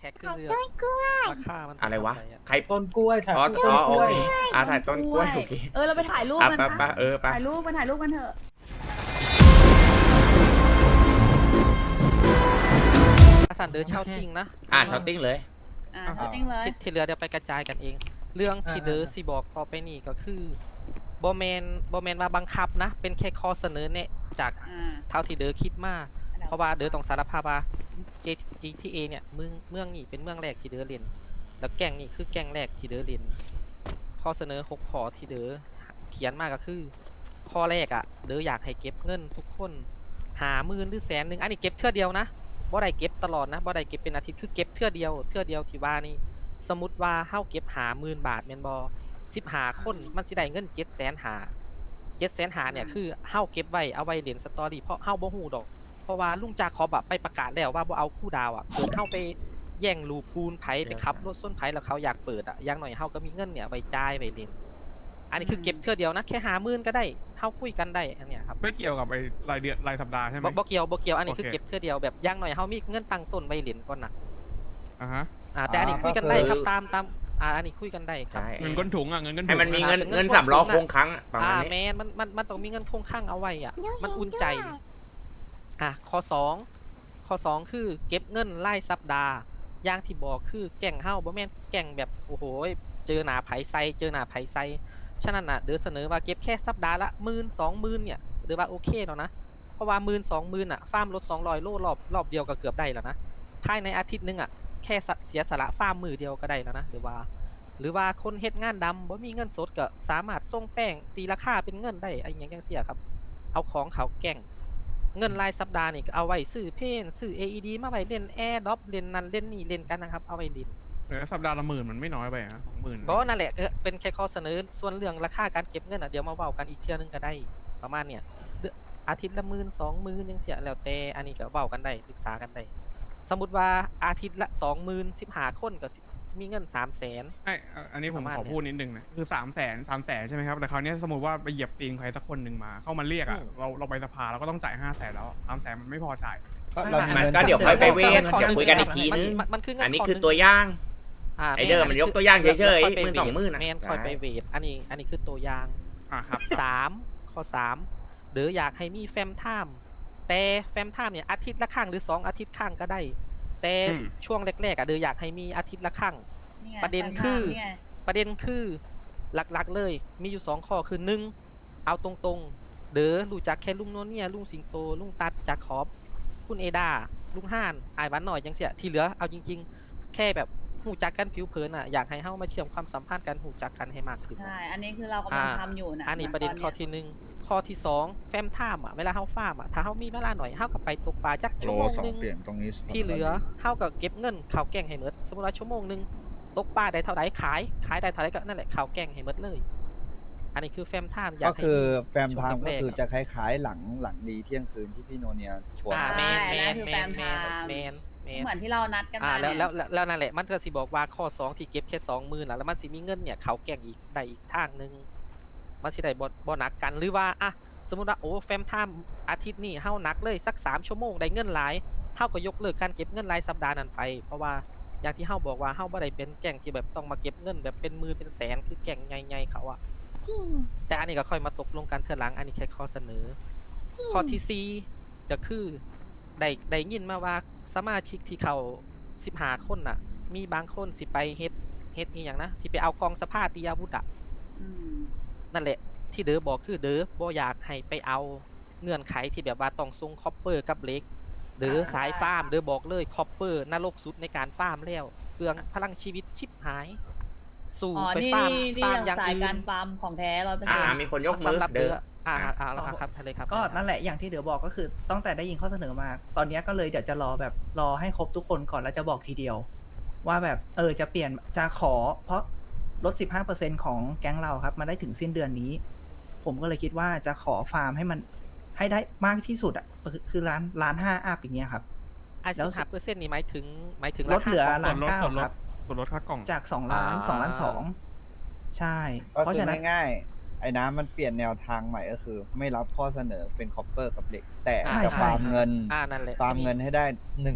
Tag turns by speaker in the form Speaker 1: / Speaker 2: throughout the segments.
Speaker 1: ท็กขึ้น
Speaker 2: ถ่าย
Speaker 1: เรือ
Speaker 2: ต้นกล้วย
Speaker 1: ราคามัน
Speaker 3: อะไรวะ
Speaker 1: เท่าห
Speaker 3: ใคร
Speaker 4: ต้นกล้วยถ่าย
Speaker 3: อ๋อ
Speaker 4: ต้น
Speaker 3: โอก
Speaker 4: ล้วย
Speaker 3: เคถ่ายต้นกล้วยโอเค
Speaker 5: เราไปถ่ายรูป
Speaker 3: อ่ะ
Speaker 5: กัน
Speaker 3: ไป
Speaker 5: ปะ
Speaker 3: ไปไป
Speaker 5: ถ่ายรูปกันเถอะ
Speaker 1: สันเดอร์เช่าติ้งนะ
Speaker 3: ช้อตติ้งเลย
Speaker 5: จริงเลย
Speaker 1: ที่เหลือเดี๋ยวไปกระจายกันเอง เรื่องที่เดอร์สิบอกต่อไปนี่ก็คือโบแมนว่าบังคับนะ เป็นแค่ข้อเสนอเนี่ยจากเท่าที่เดอร์คิดมาเพราะว่าเดอร์ต้องสารภาพว่า GTA เนี่ยเมืองนี่เป็นเมืองแรกที่เดอร์เล่นแล้วแก๊งนี่คือแก๊งแรกที่เดอร์เล่นข้อเสนอ6ข้อที่เดอร์เขียนมาก็คือ ข้อแรกอะเดอร์อยากให้เก็บเงินทุกคน50,000หรือ100,000อันนี้เก็บเทื่อเดียวนะบ่ได้เก็บตลอดนะบ่ได้เก็บเป็นอาทิตย์คือเก็บเทื่อเดียวที่ว่านี่สมมุติว่าเฮาเก็บ50,000 บาทแม่นบ่15คนมันสิได้เงิน700,000เนี่ยคือเฮาเก็บไว้เอาไว้เล่นสตอรี่เพราะเฮาบ่ฮู้ดอกเพราะว่าลุงจาคอบอะไปประกาศแล้วว่าบ่เอาคู่ดาวอะเกิดเฮาไปแย่งลูกปูนไผไปขับรถส้นไผแล้วเขาอยากเปิดอะอย่างหน่อยเฮาก็มีเงินเนี่ยไว้จ่ายไว้เล่นอันนี้คือเก็บเทื่อเดียวนะแค่50,000ก็ได้เฮาคุยกันได้อันเนี้ยครับ
Speaker 6: ไม่เกี่ยวกับไอ้รายเดือนรายสัปดาห์ใช่ไหม
Speaker 1: บ่เกี่ยวอันนี้คือ
Speaker 6: โอเค
Speaker 1: เก็บเทื่อเดียวแบบอย่างหน่อยเฮามีเงินตั้งต้นไว้เล่นก่อนนะ
Speaker 6: อ่าฮะ
Speaker 1: แต่อันนี้คุยกันได้ครับตามอันนี้คุยกันได้ครับ
Speaker 3: ใช่
Speaker 6: เงินก้นถุงอ่ะเงินก้นถุง
Speaker 3: ให้มันมี
Speaker 6: อะ
Speaker 3: เงินสำรองคงครั้งประมาณนี้
Speaker 1: แมนมันต้องมีเงินคงข้างเอาไว้อ่ะ
Speaker 2: เดี๋ยว
Speaker 1: มันอุ่น
Speaker 2: เห็น
Speaker 1: ใจ
Speaker 2: ด้วย
Speaker 1: ข้อสองคือเก็บเงินรายสัปดาห์อย่างที่บอกคือแก่งเฮาบ่แม่นแก่งแบบโอ้โหเจอหน้าไผไซฉะนั้นน่ะเดี๋ยวเสนอว่าเก็บแค่สัปดาห์ละ10,000-20,000เนี่ยหรือว่าโอเคแล้วนะเพราะว่า10,000-20,000อ่ะฟาร์มรถ200 โลรอบเดียวก็เกือบได้แล้วนะภายในอาทิตย์นึงอ่ะแค่เสียสละฟาร์มมือเดียวก็ได้แล้วนะหรือว่าคนเฮ็ดงานดำบ่มีเงินสดก็สามารถส่งแป้งตีราคาเป็นเงินได้ไอ้หยังจังซี่ครับเอาของเขาแก่งเงินรายสัปดาห์นี่ก็เอาไว้ซื้อเพนซื้อ AED มาไว้เล่นแอร์ดรอปเล่นนั่นเล่นนี่เล่นกันนะครับเอาไว้เล่น
Speaker 6: สัปดาห์ละ10,000มันไม่น้อยไปอ่ะ20,000
Speaker 1: ก็นั่นแหละเป็นแค่ข้อเสนอส่วนเรื่องราคาการเก็บเงินอ่ะเดี๋ยวมาเว้ากันอีกเทื่อนึงก็ได้ประมาณเนี่ยอาทิตย์ละ10,000-20,000จังซี่แล้วแต่อันนี้ก็เว้ากันได้ปรึกษากันได้สมมุติว่าอาทิตย์ละ20,000 15คนก็มีเงิน300,000
Speaker 6: อันนี้ผม
Speaker 1: ประมาณ
Speaker 6: ขอพูดนิดนึงนะคือ300,000ใช่ไหมครับแต่คราวนี้สมมติว่าไปเหยียบตีนใครสักคนหนึ่งมาเข้ามาเรียกอ่ะเราไปสภาเราก็ต้องจ่าย500,000แล้ว300,000มันไม่พอจ่าย
Speaker 4: ก็เรามี
Speaker 3: มัน
Speaker 4: เงิน
Speaker 3: ก็เดี๋ยวค่อยไปเวท
Speaker 1: ข้อ
Speaker 3: เดี๋ยวคุยกันอีกทีนึง
Speaker 1: มันคือเงิน
Speaker 3: อันนี้
Speaker 1: ข้
Speaker 3: คือ
Speaker 1: หง
Speaker 3: ตัวอย่าง ไอ้เดิม
Speaker 1: แ
Speaker 3: มันยกตัวอย่างเฉยๆ
Speaker 1: ค่ไป
Speaker 3: 10,000 20,000
Speaker 1: แมนคอยไปเวทอันนี้คือตัวอย่าง
Speaker 6: ครับ
Speaker 1: ข้อ3หรืออยากให้มีแฟมไทม์แต่แฟมไทม์เนี่ยอาทิตย์ละครั้งหรือ2 อาทิตย์ครั้งก็ได้ แต่ช่วงแรกๆอ่ะเดี๋ยวอยากให้มีอาทิตย์ละครั้ง ประเด็นคือหลักๆเลยมีอยู่2ข้อคือ1เอาตรงๆเด้อรู้จักแค่ลุงโนเนี่ยลุงสิงโตลุงตัดจากขอบคุณเอดาลุงห่านอายหวันหน่อยจังเสียที่เหลือเอาจริงๆ แค่แบบหูจักกันผิวเผินอ่ะอยากให้เฮามาเชื่อมความสัมพันธ์กันหูจักกันให้มากขึ้น
Speaker 5: ใช่ อันนี้คือเรากำลังทำอยู่นะ
Speaker 1: อันนี้ประเด็นข้อที่ข้อที่2แฟมไทม์อ่ะเวลาเฮาฟาร์มอ่ะถ้าเฮามีเวลาหน่อยเฮาก็ไปตกปลาจัก
Speaker 7: โล
Speaker 1: ชั่วโมง
Speaker 7: สอง
Speaker 1: นึง
Speaker 7: เปลี่ยนตรงนี้
Speaker 1: ที่เหลือเฮาก็เก็บเงินข่าวแกงให้หมดสมมุติว่าชั่วโมงนึงตกปลาได้เท่าไหร่ขายได้เท่าไหร่ก็นั่นแหละข่าวแกงให้หมดเลย อันนี้คือแฟมไทม์อยา
Speaker 4: ก็
Speaker 1: กให้
Speaker 4: คือ
Speaker 1: มี
Speaker 4: แฟมไทม์ก็คือจะคล้ายๆหลังดีเที่ยงคืนที่พี่โนเนียชวน
Speaker 1: แมน
Speaker 5: ใช่นั่นคือแฟมไทม์ เหมือนที่เรานัดกันมา
Speaker 1: แล้วนั่นแหละมันก็สิบอกว่าข้อ2ที่เก็บแค่20,000แล้วมันสิมีเงินเนี่ยเขาแกงอีกได้อีกทางนึงมันสิได้บ่หนักกันหรือว่าอ่ะสมมุติว่าโอ้แฟมไทม์อาทิตย์นี้เฮาหนักเลยสัก3 ชั่วโมงได้เงินหลายเฮาก็ยกเลิกการเก็บเงินรายสัปดาห์นั้นไปเพราะว่าอย่างที่เฮาบอกว่าเฮาบ่ได้เป็นแก๊งที่แบบต้องมาเก็บเงินแบบเป็นหมื่นเป็นแสนคือแก๊งใหญ่ๆเขาอะ
Speaker 2: จริง
Speaker 1: แต่อันนี้ก็ค่อยมาตกลงกันเทื่อหลังอันนี้แค่ข้อเสนอ ข้อที่4ก็คือได้ยินมาว่าสมาชิกที่เขา15 คนน่ะ มีบางคนสิไปเฮ็ดอีหยังนะที่ไปเอากองสภาตีอาวุธอ่ะ
Speaker 5: อืม
Speaker 1: นั่นแหละที่เดอบอกคือเดอบ่อยากให้ไปเอาเงื่อนไขที่แบบว่าต้องส่งคอปเปอร์กับเหล็กเดอสายฟาร์มเดอบอกเลยคอปเปอร์นรกสุดในการฟาร์มแล้วเปลืองพลังชีวิตชิบหาย สู่
Speaker 5: อ๋อ
Speaker 1: ไป
Speaker 5: นี่
Speaker 1: ฟาร์ม
Speaker 5: นี่
Speaker 1: ฟาร์ม
Speaker 5: อ
Speaker 1: อย่าง
Speaker 5: สาย
Speaker 1: อื่
Speaker 5: การ
Speaker 1: น
Speaker 5: ฟาร์มของแท้100%
Speaker 3: มีคนยกมือ
Speaker 1: สำหรับ
Speaker 3: เดิ
Speaker 1: เด
Speaker 3: น
Speaker 1: อครับทะเลครับ
Speaker 8: ก็นั่นแหละอย่างที่เดี๋ยวบอกก็คือตั้งแต่ได้ยินข้อเสนอมา ตอนนี้ก็เลยเดี๋ยวจะรอให้ครบทุกคนก่อนแล้วจะบอกทีเดียว ว่าแบบจะเปลี่ยนจะขอเพราะลด 15% ของแก๊งเราครับมาได้ถึงสิ้นเดือนนี้ ผมก็เลยคิดว่าจะขอฟาร์มให้มันให้ได้มากที่สุดอ่ะคือล้าน5อัพอย่างเงี้ยครับ
Speaker 1: ไอ้
Speaker 8: แล้ว
Speaker 1: 15%นี่หมายถึง
Speaker 8: ลดเหลือ
Speaker 1: ราคา
Speaker 8: ล้าน
Speaker 6: ส่วนลด
Speaker 8: เก้า
Speaker 6: ส่วนลด
Speaker 8: ครับ
Speaker 6: ส่วนลดค่ากล่อง
Speaker 8: จาก2 ล้าน2 ล้าน 2ใช่
Speaker 4: ก็
Speaker 8: เพราะ
Speaker 4: คือ
Speaker 8: ฉะนั้น
Speaker 4: ง่ายไอ้น้ำมันเปลี่ยนแนวทางใหม่ก็คือ ไม่รับข้อเสนอเป็นคอปเปอร์กับเหล็ก แต่
Speaker 1: ใช่
Speaker 4: จะ
Speaker 1: ใช่
Speaker 4: ฟาร์มเงิน
Speaker 1: นั่นแหละ
Speaker 4: ฟาร์มเงินให้ได้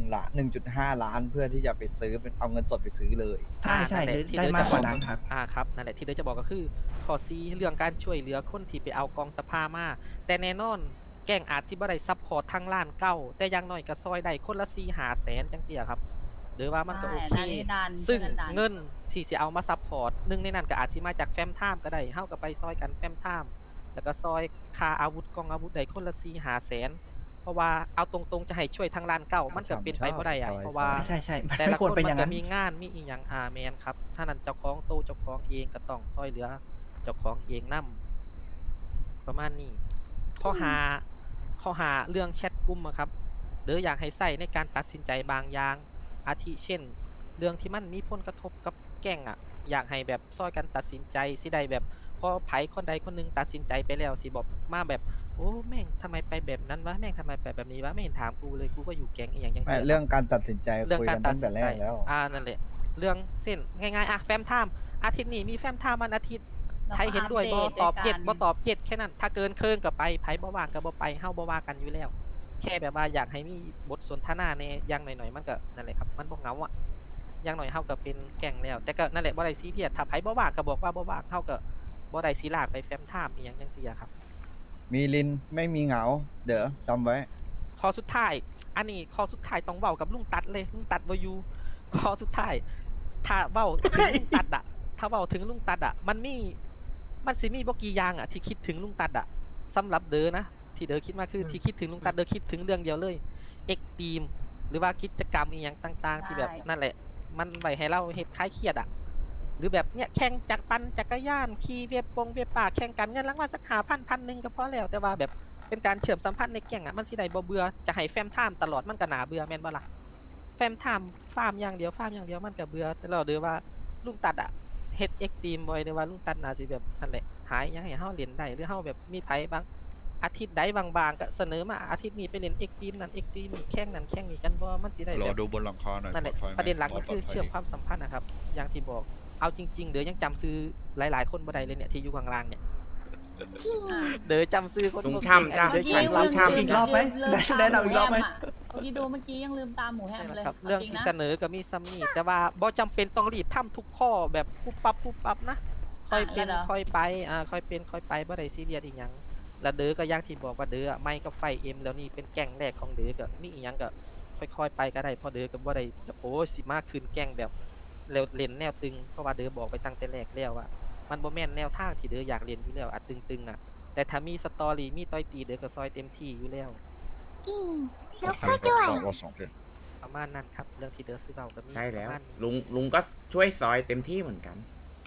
Speaker 4: 1.5 ล้านเพื่อที่จะไปซื้อเป็นเอาเงินสดไปซื้อเลย
Speaker 8: ใช่ใช่
Speaker 1: นั่นแหละ
Speaker 8: หรือ
Speaker 1: ที่
Speaker 8: ได้
Speaker 1: เดี๋ยว
Speaker 8: มาก
Speaker 1: จะ
Speaker 8: กว่านั้นครับ
Speaker 1: ครับนั่นแหละที่เดี๋ยวจะบอกก็คือข้อซีเรื่องการช่วยเหลือคนที่ไปเอากองสภามาแต่แน่นอนแก่งอาจสิบ่ได้ซัพพอร์ตทางล้านเก้าแต่อยังน้อยก็ซอยได้คนละ4-5 แสนจังซี่อะครับหรือว่ามันก็โอเค
Speaker 5: ใช่ดัน
Speaker 1: ซึ่ง
Speaker 5: ช่วยกันดัน
Speaker 1: เงินที่สิเอามาซัพพอร์ตหนึ่งในนั้นก็อาจสิมาจากแฟมไทม์ก็ได้เฮาก็ไปซอยกันแฟมไทม์แล้วก็ซอยค่าอาวุธกองอาวุธได้คนละ4-5 แสนเพราะว่าเอาตรงๆจะให้ช่วยทางล้านเก้ามันก็เป็นไปบ่ได้อะ
Speaker 4: ซอย
Speaker 1: เพราะว่า
Speaker 8: ใช่ใช่มัน
Speaker 1: แต่
Speaker 8: ไม่
Speaker 1: ละ
Speaker 8: ค
Speaker 1: คว
Speaker 8: ร
Speaker 1: น
Speaker 8: เป็นอ
Speaker 1: มั
Speaker 8: ย่าน ง
Speaker 1: ก็
Speaker 8: นั้น
Speaker 1: มีงานมีอีหยังแมนครับถ้านั้นเจ้าของโตเจ้าของเองก็ต้องซอยเหลือเจ้าของเองนํประมาณนี้ข้อหาเรื่องแชทกลุ่มอะครับหรืออยากให้ใส่ในการตัดสินใจบางอย่างอาทิเช่น เรื่องที่มันมีผลกระทบกับแก๊งอะอยากให้แบบซอยกันตัดสินใจสิได้แบบพอไผคนใดคนหนึงตัดสินใจไปแล้วสิบอกมาแบบโอ้แม่งทำไมไปแบบนั้นวะแม่งทำไมไปแบบนี้วะไม่เห็นถามกูเลยกูก็อยู่แก๊งอีหยังจัง
Speaker 4: ไม่
Speaker 1: ซี่
Speaker 4: เรื่องการตัดสินใจ
Speaker 1: เรื่อง
Speaker 4: คุย
Speaker 1: กา
Speaker 4: กั
Speaker 1: ร
Speaker 4: น
Speaker 1: ตั
Speaker 4: ตั้
Speaker 1: ด
Speaker 4: ง
Speaker 1: สิ
Speaker 4: แต่
Speaker 1: น
Speaker 4: แร
Speaker 1: ใจ
Speaker 4: กแล้ว
Speaker 1: นั่นแหละเรื่องเส้นง่ายๆอะแฟมไทม์อาทิตย์นี้มีแฟมไทม์วันอาทิตย์
Speaker 5: แล้ว
Speaker 1: ใครเห็นด้วยบ่
Speaker 5: อัปเ
Speaker 1: ตอบเจ็ด
Speaker 5: กั
Speaker 1: บ่
Speaker 5: น
Speaker 1: ตอบเจ็ดแค่นั้นถ้าเกินเคินก็ไปไผบ่ว่างก็บ่ไปเฮาบ่ว่ากันอยู่แล้ว แค่แบบว่าอยากให้มีบทสนทนาในอย่างหน่อยๆมันก็นั่นแหละครับมันบ่เหงาอ่ะอย่างหน่อยเฮาก็เป็นแก๊งแล้ว แต่ก็นั่นแหละบ่ได้ซีเรียสถ้าไผบ่ว่างก็บอกว่าบ่ว่างเฮาก็บ่ได้สิลากไปแฟมไทม์อีหยังจังซี่อะครับ
Speaker 4: มีลินไม่มีเหงา เดี๋ยวจำไว้
Speaker 1: ข้อสุดท้าย อันนี้ข้อสุดท้ายต้องเว้ากับลุงตัดเลยลุงตัดบ่อยู่ข้อสุดท้าย ถ้าเว้าถึงลุงตัดอะถ้าเว้าถึงลุงตัดอะมันสิมีบ่กี่อย่างอะที่คิดถึงลุงตัดอะสำหรับเด้อนะที่เด้อคิดมาคือที่คิดถึงลุงตัดเด้อคิดถึงเรื่องเดียวเลยเอ็กทีมหรือว่ากิจกรรมอีหยังต่างๆ ที่แบบ
Speaker 5: ใช่
Speaker 1: นั่นแหละ มันไว้ให้เราเฮ็ดคลายเครียดอะหรือแบบเนี้ยแข่งจักรปั่นจักรยานขี่เวียบป่าแข่งกันเงินรางวัลสัก1,000 ก็พอแล้วแต่ว่าแบบเป็นการเชื่อมสัมพันธ์ในแก๊งอะมันสิได้บ่เบื่อจะให้แฟมไทม์ตลอดมันก็น่าเบื่อแม่นบ่ล่ะ แฟมไทม์ฟาร์มอย่างเดียวมันก็เบื่อแต่เราเด้อว่าลุงตัดอะเฮ็ดเอ็กตีมบ่อยเด้อว่าลุงตัดน่าสิแบบนั่นแหละหายยังให้เฮาเล่นได้หรือเฮาแบบมีไผบางอาทิตย์ใดบางๆก็เสนอมาอาทิตย์นี้ไปเล่นเอ็กตีมนั่นเอ็กตีมนี่แข่งนั่นแข่งนี่กันบ่มันสิได้
Speaker 2: รอ
Speaker 1: แบบ
Speaker 2: ดูบนหลังคาหน่อย
Speaker 1: นั่นแหละ
Speaker 2: ปลอดภัยไหม
Speaker 1: ประเด็นหลักก็
Speaker 2: ปล
Speaker 1: คือ
Speaker 2: ดภัย
Speaker 1: เชื่อม
Speaker 2: ดี
Speaker 1: ความสัมพันธ์นะครับอย่างที่บอกเอาจริงๆเด้อยังจำซื้อหลายๆคนบ่ได้เลยเนี่ยที่อยู่ข้างล่างเนี่ย
Speaker 5: อ่ะ
Speaker 1: เด้อจำซื้อคน
Speaker 3: ลุง
Speaker 1: บ่
Speaker 3: ช่ำจ้ะ
Speaker 1: เก่ง
Speaker 5: เมื่อ
Speaker 1: อัน
Speaker 5: กี้
Speaker 1: เด้อ
Speaker 3: ลุ
Speaker 1: ช่ำ
Speaker 3: ง
Speaker 8: อีกรอบไหม
Speaker 5: ลืตา
Speaker 8: แนะนำอีกรอบไหม
Speaker 5: แะเมื่อกี้ดูเมื่อกี้ยังลืมตามหมูแฮมเลย
Speaker 1: ครับ
Speaker 5: า
Speaker 1: เรื่อง
Speaker 5: จ
Speaker 1: ที่
Speaker 5: นะ
Speaker 1: เสนอก็มีซ้ำนี่แต่ว่าบ่จำเป็นต้องรีบทำทุกข้อแบบปุ๊บปั๊บนะค่อยเป็น
Speaker 5: แล้วเหรอ
Speaker 1: ค่อยไปค่อยเป็นค่อยไปบ่ได้ซีเรียสอีหยังแล้วเด้อก็อย่างที่บอกว่าเด้อไม่ก็ไฟเอ็มแล้วนี่เป็นแก๊งแรกของเด้อก็มีอีหยังก็ค่อยๆไปก็ได้เพราะเด้อก็บ่ได้โอ้ยสิมาขึ้นแก๊งแบบแล้วเล่นแนวตึงเพราะว่าเด้อบอกไปตั้งแต่แรกแล้วว่ามันบ่แม่นแนวทางที่เด้ออยากเล่นอยู่แล้วตึงๆแต่ถ้ามีสตอรี่มีต่อยตีเด้อก็ซอยเต็มที่อยู่แล้ว
Speaker 2: แล้วก็ด้วยรอสองเพื่อน
Speaker 1: ประมาณนั้นครับเรื่องที่เด้อซื้อเบาก็มี
Speaker 3: ใช่แล้ว
Speaker 1: ประมาณนี้
Speaker 3: ลุงก็ช่วยซอยเต็มที่เหมือนกัน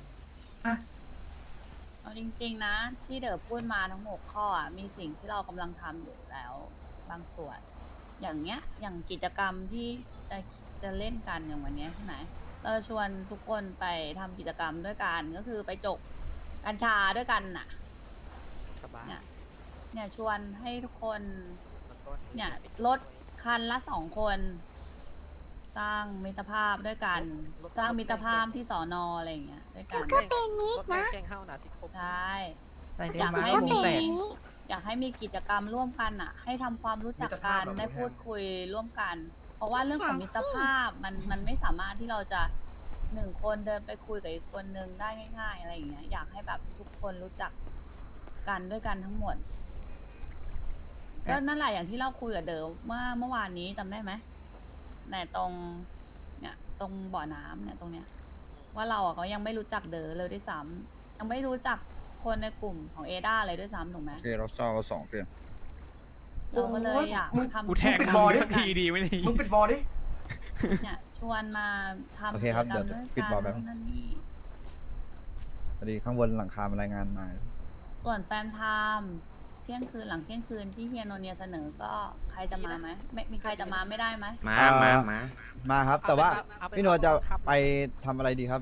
Speaker 5: เอาจริงๆนะ ที่เด๋อพูดมาทั้ง6ข้ออ่ะมีสิ่งที่เรากำลังทำอยู่แล้วบางส่วน อย่างเงี้ยอย่างกิจกรรมที่จะเล่นกันอย่างวันเนี้ยใช่ไหมเราชวนทุกคนไปทำกิจกรรมด้วยกันก็คือไปจกกัญชาด้วยกันน่ะ
Speaker 1: สบาย
Speaker 5: เนี่ยชวนให้ทุกคน
Speaker 1: แล้วก็
Speaker 5: เนี่ยรถคันละ2 คน สร้างมิตรภาพด้วยกัน สร้างมิตรภาพที่สอนออะไรอย่างเงี้ยด้วยกัน
Speaker 1: ก็เป็นมิตรนะแกงเฮ้านะสิครบ
Speaker 5: ใช่
Speaker 8: ใส่ได้
Speaker 5: อยาก
Speaker 8: มา
Speaker 5: ให้
Speaker 8: วงแตก
Speaker 5: อยากให้มีกิจกรรมร่วมกันอ่ะ ให้ทำความรู้จักกันได้พูดคุยร่วมกัน เพราะว่าเรื่องของมิตรภาพมันไม่สามารถที่เราจะ1 คนเดินไปคุยกับอีกคนนึงได้ง่าย ๆ อะไรอย่างเงี้ยอยากให้แบบทุกคนรู้จักกันด้วยกันทั้งหมดก็นั่นแหละอย่างที่เราคุยกับเดิมเมื่อวานนี้จำได้ไหมในตรงเนี่ยตรงบ่อน้ำเนี่ยตรงเนี้ย ว่าเราอ่ะก็ยังไม่รู้จักเด๋อเลยด้วยซ้ำยังไม่รู้จักคนในกลุ่มของเอดาเลยด้วยซ้ำถูกไหม
Speaker 2: โอเคเราเศร้าสองเพื่อน
Speaker 5: เราก็เลยอยากทำ
Speaker 6: กูแทง
Speaker 5: กิจ
Speaker 6: มึ
Speaker 5: ร
Speaker 6: ง
Speaker 5: รม
Speaker 6: สักทีดีไหมเนี่ย
Speaker 7: มึงปิดบอลดิ
Speaker 5: เนี่ยชวนมาทำ
Speaker 4: โอเคครับ
Speaker 5: กิจกรรม
Speaker 4: เดี๋ยว
Speaker 5: ด้วย
Speaker 4: ปิด
Speaker 5: กัน
Speaker 4: บอลแป๊บ
Speaker 5: นู่นนั่นนี่
Speaker 4: พอดีข้างบนหลังคามารายงานมา
Speaker 5: ส่วนแฟนไทม์เที่ยงคืนหลังเที่ยงคืนที่เฮียโนเนียเสนอก็ใครจะมาไหมไม่มีใครจะมาไม่ได้ไหม
Speaker 3: มา
Speaker 4: อ่า
Speaker 3: มา
Speaker 4: มาครับ แต่ว่าพี่โนจะไปทำอะไรดีครับ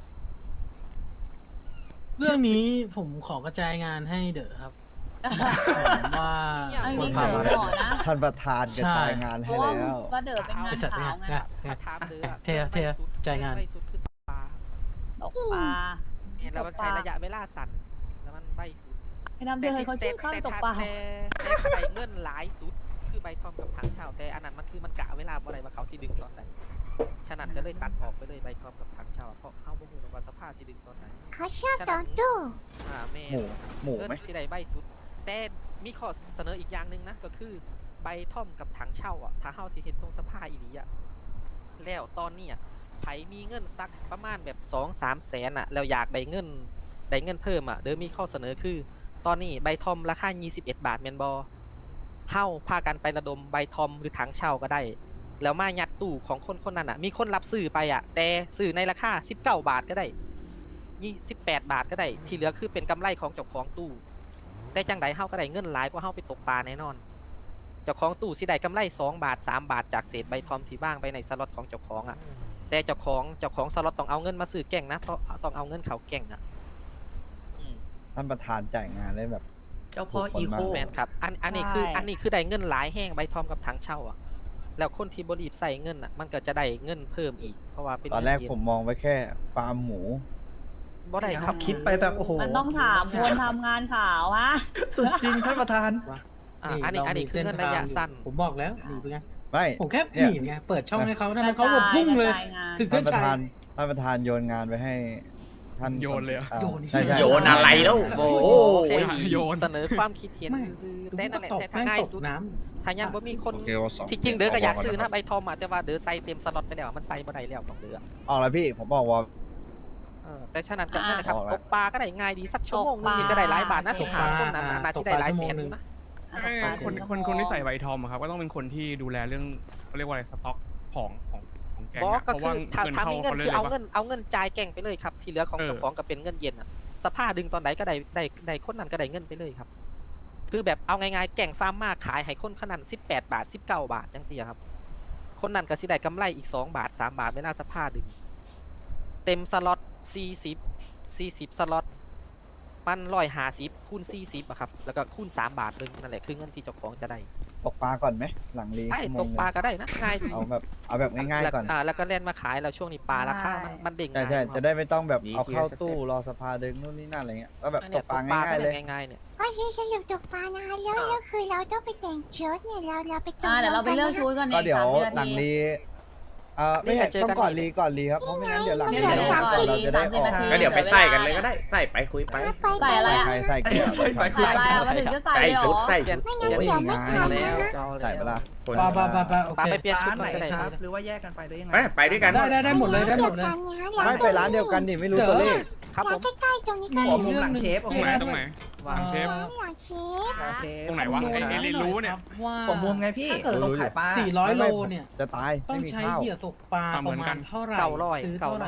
Speaker 9: เรื่องนี้ผมขอกระจายงานให้เด๋อครับ ผมว่า
Speaker 5: ไอ้
Speaker 9: ควร
Speaker 5: นี่
Speaker 9: พา
Speaker 5: เด๋อ
Speaker 9: มา
Speaker 5: หมอนะ
Speaker 4: ท่านประธานกระจายงาน
Speaker 5: เพ
Speaker 4: ให้
Speaker 5: ราะว่า
Speaker 4: แล้ว
Speaker 5: ว่าเด๋อเป็นงาน
Speaker 9: ไอสัตว์
Speaker 5: ขาว
Speaker 9: เนี่ย
Speaker 5: ไง
Speaker 9: เนี่ย
Speaker 1: ถามเดือ
Speaker 9: เทียจ่ายงาน
Speaker 1: ใบสุดคือปลา
Speaker 5: ตกปลา
Speaker 1: เห็นแล้วมันใช้ระยะเวลาสั้นแล้วมันใบสุด
Speaker 5: ไปนำเดินเขาชื่อข้ามตกปลา
Speaker 1: แต่ใบเงินหลายสุดคือใบทอมกับถังเช่าแต่อันนั้นมันคือมันกะเวลาบ่ได้ว่าเขาสิดึงตอนไหนฉะนั้นก็เลยตัดออกไปเลยใบทอมกับถังเช่าเพราะเขาบ่ฮู้ว่าสภาพสิดึงตอนไหน
Speaker 7: เขาชอบตอนตู้
Speaker 1: แม่
Speaker 4: หมูไหม
Speaker 1: เงินสิได้ใบสุด แต่มีข้อเสนออีกอย่างหนึงนะก็คือใบทอมกับถังเช่าอ่ะถ้าเฮาสิเฮ็ดทรงสภาอีหลีอ่ะแล้วตอนเนี้ยไผมีเงินสักประมาณแบบ 2-3 แสนอ่ะแล้วอยากได้เงินเพิ่มอ่ะเดี๋ยวมีข้อเสนอคือ ตอนนี้ใบทอมราคา21 บาทแมนบอเฮ้าพากันไประดมใบทอมหรือถังเช่าก็ได้ แล้วมายัดตู้ของคนคนนั้นอ่ะ มีคนรับซื้อไปอ่ะ แต่ซื้อในราคา19 บาทก็ได้28 บาทก็ได้ ที่เหลือคือเป็นกำไรของเจ้าของตู้ แต่จังใดเฮ้าก็ได้เงินหลายกว่าเฮ้าไปตกปลาแน่นอน เจ้าของตู้สิได้กำไร2 บาท 3 บาทจากเศษใบทอมที่ว่างไปในสล็อตของเจ้าของอ่ะ แต่เจ้าของสล็อตต้องเอาเงินมาซื้อแก่งนะ เพราะต้องเอาเงินเขาแก่งอ่ะ
Speaker 4: ท่านประธานจ่ายงานได้แบบ
Speaker 8: เจ้าพ่ออีโค
Speaker 1: แมนครับ อันนี้คือได้เงินหลายแห้งใบทอมกับถังเช่าอ่ะ แล้วคนที่บรีบใส่เงินอ่ะ มันก็จะได้เงินเพิ่มอีก เพราะว่าเป็น
Speaker 4: ตอนแรก
Speaker 1: เงิ
Speaker 4: ผมมองไว้แค่ฟาร์มหมู
Speaker 1: บ่ได้ครับ
Speaker 8: คิดไปแบบโอ้โห
Speaker 5: มันต้องถามคนทำงานข่าวฮะ
Speaker 8: สุดจริงท่านประธาน
Speaker 1: อันนี้คือเงินระยะสั้น
Speaker 9: ผมบอกแล้วหนีไปไง
Speaker 4: ไม่
Speaker 9: ผมแค่
Speaker 4: เนี่ย
Speaker 9: หนีไงเปิดช่องให้เขาทำไมเขาแบบพุ่งเลย
Speaker 5: กระจายงาน
Speaker 9: ถึง
Speaker 4: ท่า
Speaker 9: เส้
Speaker 4: น
Speaker 9: น
Speaker 4: ประ
Speaker 9: ชั
Speaker 4: ธาย นท่านประธานโยนงานไปให้ท่าน
Speaker 6: โยนเลยเหรอ
Speaker 4: อ่า
Speaker 9: โยน
Speaker 4: ใช่ใช่
Speaker 3: โยนอะไรแล้วโอ้โห
Speaker 6: โยน
Speaker 1: เสนอความคิดเห็น
Speaker 9: ไม่
Speaker 1: แต่นั่นแหละ
Speaker 9: ตก
Speaker 1: แต่ถ้า
Speaker 9: แม่ง
Speaker 1: ง่าย
Speaker 9: ตก
Speaker 1: สุด
Speaker 9: น้
Speaker 1: ถ้ายังบ่มีคน
Speaker 2: โอเคว่า2
Speaker 1: ที่จริงเด้อก็อยากซื้อนะใบทอมอ่ะแต่ว่าเด้อใส่เต็มสล็อตไปแล้วมันใส่บ่ได้แล้วของเด้อ
Speaker 4: ออกแล้วพี่ผมบอกว่า
Speaker 1: แต่ฉะนั้นก็นั่นแหละครับ
Speaker 4: ออกแล้ว
Speaker 1: ตกปลาก็ได้ง่ายดีสักชั่วโมงนึงก็ได้หลายบาทนะ
Speaker 5: ต
Speaker 1: ส
Speaker 5: ก
Speaker 1: ง
Speaker 5: ปลา
Speaker 1: หาคนนั้นน่ะน่าที่ได้หลายแสนอยู่นะ
Speaker 6: คนที่ใส่ใบทอมอะครับก็ต้องเป็นคนที่ดูแลเรื่องเขาเรียกว่าอะไรสต็อกของแกง
Speaker 1: บอก
Speaker 6: อะ
Speaker 1: ก็
Speaker 6: เพราะ
Speaker 1: คื
Speaker 6: ว่า
Speaker 1: อถ้า
Speaker 6: เงิน
Speaker 1: มี
Speaker 6: เข้า
Speaker 1: เงิน
Speaker 6: เขาเลย
Speaker 1: คือเอา
Speaker 6: ปะ
Speaker 1: เงินจ่ายแก่งไปเลยครับ ที่เหลือของ
Speaker 6: เออ
Speaker 1: เจ้าของก็เป็นเงินเย็นอ่ะสภาพดึงตอนไหนก็ได้คนนั้นก็ได้เงินไปเลยครับ คือแบบเอาง่ายๆแก่งฟาร์มมากขายให้คนขนาด18 บาท 19 บาทจังซี่ครับ คนนั้นก็สิได้กำไรอีก2 บาท 3 บาทเวลาสภาพดึง เต็มสล็อต40สล็อตมัน150คูณ40อะครับแล้วก็คูณ3 บาทเลยนั่นแหละคือเงินที่เจ้าของจะได้
Speaker 4: ตกปลาก่อนไหมหลังรี
Speaker 1: ใช่
Speaker 4: ชั่วโม
Speaker 1: ต
Speaker 4: ง
Speaker 1: ก
Speaker 4: หนึ่
Speaker 1: ปลาง ก็ได้นะง่าย
Speaker 4: เอาแบบง่ายๆก่อน
Speaker 1: แล้วก็เล่นมาขายแล้วช่วงนี้ปลาราคามันเด้ง
Speaker 4: ใช่
Speaker 1: ง่าย
Speaker 4: ใช่
Speaker 1: ครับ
Speaker 4: จะได้ไม่ต้องแบบ
Speaker 3: ดี
Speaker 4: เอาเข้า
Speaker 3: ทีละ
Speaker 4: ตู้
Speaker 3: สเต็ป
Speaker 4: รอสภาดึงนู่นนี่นั่นอะไรเงี้ยก็แบบ
Speaker 1: อัน
Speaker 4: ต
Speaker 1: เนี้ย
Speaker 4: กปลาง่ายๆเลย
Speaker 1: ง่ายๆเนี่ย
Speaker 7: ก็คือสรุปตกปลานะคะแล้วคือเราต้องไปแต่งชุดเนี่ยเราไปตก
Speaker 5: เดี๋ยวเราไปเลือกชุดกัน
Speaker 4: ก็
Speaker 5: ใน
Speaker 4: เดี๋ยว
Speaker 5: 30
Speaker 4: หลั
Speaker 5: นาง ที
Speaker 4: รีไม่ใช่ต้องก่อนรีครับเพราะไม่งั้นเดี๋ยวหลังรี
Speaker 5: เนี่ย
Speaker 4: เราจะได้ออก
Speaker 5: 30
Speaker 3: ก็เดี๋ยวไปใส่กันเลยก็ได้ ใส่ไปคุยไป
Speaker 5: ใส่อะไรอะ
Speaker 4: ใครใส่เกียร์
Speaker 8: ใส่ไป
Speaker 5: ใส่อะไรอะมาถึงจะใส่
Speaker 3: ใส่
Speaker 5: เลยเหร
Speaker 3: ชุด
Speaker 5: อ
Speaker 3: ใส่
Speaker 1: เปลี่ยน
Speaker 7: ไม่งั้นเดี๋ยวไม่ทัน
Speaker 1: แล้
Speaker 7: นะ
Speaker 1: ว
Speaker 7: คะ
Speaker 4: ใส่เวลา
Speaker 3: คน
Speaker 9: ำปาโอ
Speaker 1: ปลา
Speaker 9: เค
Speaker 1: ไปเปลี่ยนชุ
Speaker 8: ร้า
Speaker 1: ด
Speaker 8: น
Speaker 1: ก่
Speaker 8: ไห
Speaker 1: อน
Speaker 8: น
Speaker 1: ก็ได้
Speaker 8: ค
Speaker 1: ค
Speaker 8: รั
Speaker 1: รั
Speaker 8: บบ หรือว่าแยกกันไปหรือยังไง
Speaker 3: ไปด้วยกัน
Speaker 9: ได้หมดเลยได้หมดเลย
Speaker 4: ไม่ไปร้านเดียวกันดิไม่รู้ตัวเลข
Speaker 1: ครับผม
Speaker 7: ใกล้ๆตรงนี้ก็
Speaker 8: ขอมุมหลังเชฟ
Speaker 6: ตรงไหนตรงไหน
Speaker 1: ว่า
Speaker 6: เชฟ
Speaker 7: ร้านหลังเชฟ
Speaker 8: หลังเชฟ
Speaker 6: ตรงไหนวะ ไอ้รู้เนี่ย
Speaker 9: ว่า
Speaker 8: ผมมุมไงพี่
Speaker 9: ถ้าเกิด
Speaker 8: ลงขายปลา
Speaker 9: 400 โลเนี่ย
Speaker 4: จะตาย
Speaker 9: ต้อ
Speaker 4: ไม่
Speaker 9: ง
Speaker 4: มี
Speaker 9: ใช้
Speaker 4: ข้าว
Speaker 9: เหยื่อตกปลา
Speaker 6: เห
Speaker 9: ป
Speaker 6: มือ
Speaker 9: ระ
Speaker 6: น
Speaker 9: มา
Speaker 6: กั
Speaker 9: ณ
Speaker 6: น
Speaker 9: เท่าไหร่
Speaker 1: 900
Speaker 9: ซื้อเท่าไหร่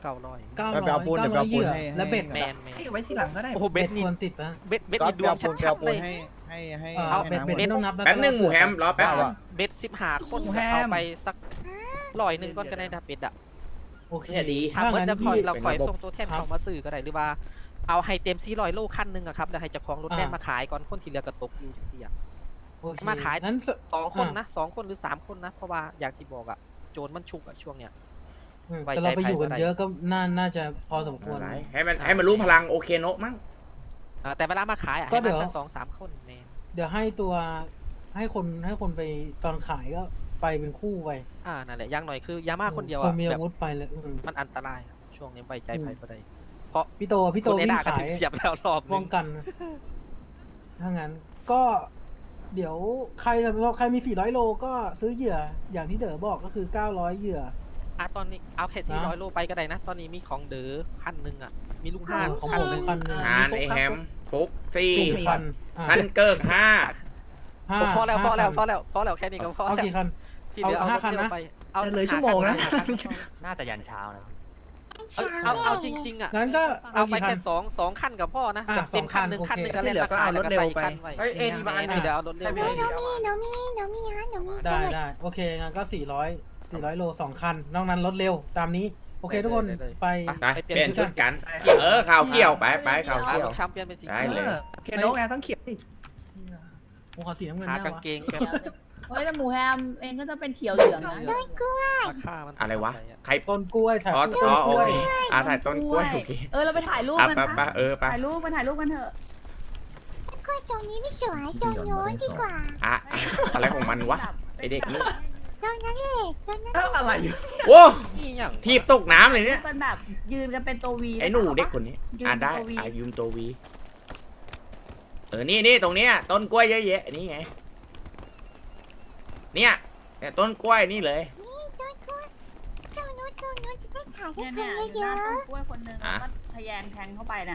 Speaker 1: 900
Speaker 4: ไปเอาปูนเดี๋ยวไปเอาปูน
Speaker 9: เหยื่อ
Speaker 4: ให้
Speaker 9: และเบ็ด
Speaker 1: แมน
Speaker 8: ให้ไว้ทีหลังก็ได้
Speaker 1: โอ้โหเบ็
Speaker 9: เบ็
Speaker 1: ด
Speaker 9: ด
Speaker 1: นี่
Speaker 9: ควรติดปะ
Speaker 1: เบ็ด
Speaker 4: ก็
Speaker 1: นี่ด
Speaker 4: ไป
Speaker 1: วง
Speaker 4: เอาปูนไป
Speaker 1: ชั
Speaker 4: เอา
Speaker 1: ดๆ
Speaker 4: ปู
Speaker 1: เล
Speaker 4: น
Speaker 1: ย
Speaker 4: ให้
Speaker 9: เอาเบ็ด
Speaker 4: น้ำ
Speaker 9: เบ็ดไม่ต้องนับแล้ว
Speaker 3: แป๊บนึงหมูแฮมรอแป๊บ
Speaker 4: เอาอะ
Speaker 1: เบ็ด15 คนก็เอาไปสัก100 ก่อนก็ได้นะเบ็ดอ่ะ
Speaker 9: โอเค
Speaker 3: เนี่ยดี
Speaker 1: ถ้า
Speaker 9: ถ้า
Speaker 1: เมื่อ
Speaker 9: งั้น
Speaker 1: จะคอย
Speaker 9: พี่
Speaker 1: เราคอย
Speaker 4: เป็นระบบ
Speaker 1: ส่งตัวแทน
Speaker 9: ครับ
Speaker 1: เขามาซื้อก็ได้หรือว่าเอาให้เต็ม400 โลคันหนึงอะครับแล้วให้เจ้าของรถแล่นมาขายก่อนคนที่เหลือก็ตกอยู่จังซี่อะ
Speaker 9: โอเค
Speaker 1: มาขาย
Speaker 9: นั้น
Speaker 1: 2 คนนะ2 คนหรือ 3 คนนะ เพราะว่าอย่างที่บอกอะโจรมันชุกอะช่วงเนี้ย ไว้ใจ
Speaker 9: แต่เราไปอยู่กัน
Speaker 1: ใครก็ได้
Speaker 9: เยอะก็น่าจะพอสมควร
Speaker 3: ให้มันรู้พลังโอเคโนะมั้ง
Speaker 1: แต่เวลามาขายอะ
Speaker 9: ก็
Speaker 1: ให้
Speaker 9: เดี๋ยว
Speaker 1: มาสัก2-3 คนแมน
Speaker 9: เดี๋ยวให้ตัวให้คนไปตอนขายก็ไปเป็นคู่ไป
Speaker 1: นั่นแหละอย่างหน่อยคือยามาคนเดียว
Speaker 9: ค
Speaker 1: อะ
Speaker 9: นมี
Speaker 1: แบ
Speaker 9: อา
Speaker 1: บ
Speaker 9: วุธไปเลย
Speaker 1: มันอันตรายอะช่วงนี้ไว้ใจใครบ่ได้
Speaker 9: พี่โต
Speaker 1: คนใน
Speaker 9: วิ่ง
Speaker 1: ด่าก็
Speaker 9: ขา
Speaker 1: ถึ
Speaker 9: ย
Speaker 1: งเสียบแล้วรอบนึ
Speaker 9: ป้อง งกันถ้างั้นก็ เดี๋ยวใครมี400 โลก็ซื้อเหยื่ออย่างที่เด๋อบอกก็คือ900เหยื่อ
Speaker 1: ตอนนี้เอาแค่400 โลไปก็ได้นะ ตอนนี้มีของเด๋อคันหนึงอะมีลุงห้า
Speaker 9: ของ
Speaker 1: คัน
Speaker 9: ผม
Speaker 1: หนึง
Speaker 9: คันหนึ่ง
Speaker 3: งานไอแฮมฟุกซี่
Speaker 9: 4,000
Speaker 3: ทันเกิก5
Speaker 1: พอแล้ว
Speaker 9: 5
Speaker 1: แค่นี้ก็พอ
Speaker 9: เอา
Speaker 1: แล้ว
Speaker 9: กี่คัน
Speaker 1: ที่เหลือเอา
Speaker 9: เอา5คัน
Speaker 1: เดียว
Speaker 9: นะ
Speaker 1: ไปเอา
Speaker 8: จะเลยชั่วโมงนะ
Speaker 10: น่าจะยันเช้านะ
Speaker 1: เอาจริงๆอะ
Speaker 9: งั้นก็
Speaker 1: เอาไป
Speaker 9: กี่คั
Speaker 1: แค่
Speaker 9: น
Speaker 1: สองคันกับพ่อนะ
Speaker 9: อ่ะ
Speaker 1: แบบเต็มคัน
Speaker 9: 2
Speaker 1: หนึ่ง
Speaker 9: โอเค
Speaker 1: คันหนึ่งก็
Speaker 8: ที่
Speaker 1: เล่น
Speaker 8: เหลือ
Speaker 1: รา
Speaker 8: ก็
Speaker 1: คา
Speaker 8: เอา
Speaker 1: แล้ว
Speaker 8: รถ
Speaker 1: ก็
Speaker 8: เร็ว
Speaker 1: ใส่
Speaker 8: ไป
Speaker 1: คันไว้
Speaker 10: เฮ้ยเอ็นบ้าน
Speaker 1: เดี๋ยวเอารถเร็ว
Speaker 7: หนูมีหนูมีก็
Speaker 9: ได้
Speaker 7: เลย
Speaker 9: ได้โอเคงั้นก็400 โล 2 คัน นอกนั้นรถเร็วตามนี้ โอเคทุกคนไป
Speaker 3: ไปเปลี่ยนชุดกัน ข่าวเกี่ยวไปข่าว
Speaker 1: เอา
Speaker 3: เกี่ยว
Speaker 1: รถแชมเปี้ยนเป็นสี
Speaker 3: ได้
Speaker 1: เขียว
Speaker 3: เลย
Speaker 8: เคโนะไงต้องเขียวดิ
Speaker 9: ผมขอสีน้ำเงิน
Speaker 1: หา
Speaker 9: ได้
Speaker 1: กาง
Speaker 9: วะ
Speaker 1: เกงแบบ
Speaker 5: เฮ้ยแต่หมูแฮมเองก็จะเป็นเขียวเหลืองนะ
Speaker 1: ราคามัน
Speaker 3: อะไรวะ ใคร
Speaker 9: ต้นกล้วยถ่าย
Speaker 3: อ๋อ
Speaker 9: ต้น
Speaker 3: โอก
Speaker 9: ล้วย
Speaker 3: เคถ่ายต้นกล้วยโอเค
Speaker 5: เราไปถ่ายรูปกัน
Speaker 3: ไป
Speaker 5: นะ
Speaker 3: ไป
Speaker 5: ถ่ายรูปกันเถอะ
Speaker 7: ตรงนี้ไม่สวยตรงโน้นดีกว่า
Speaker 3: อะอะไรของมันวะไอเด็กนี่
Speaker 7: ตรงนั้นเลยตรงนั้น
Speaker 8: อะไรอยู่
Speaker 3: โว้
Speaker 1: นี่อย่าง
Speaker 3: ทีบตกน้ำเลยเนี่ย
Speaker 5: เป็นแบบยืนกันเป็นตัววี
Speaker 3: ไอ้หนูเด็กคนนี้
Speaker 5: ยืน
Speaker 3: ได้
Speaker 5: ตัววี
Speaker 3: ยืมตัววีนี่ตรงเนี้ยต้นกล้วยเยอะแยะนี่ไงเนี่ยต้นกล้วยนี่เลย
Speaker 7: นี่ต้นกล้วยตรงโน้นจะได้ถ่ายได้
Speaker 5: เนี่ย
Speaker 7: คน
Speaker 5: เนี่ย
Speaker 7: เย
Speaker 5: หน้า
Speaker 7: อะ
Speaker 5: ต้นกล้วยคนหนึงแล้วก็ทะแยงแทงเข้าไปเนี่ย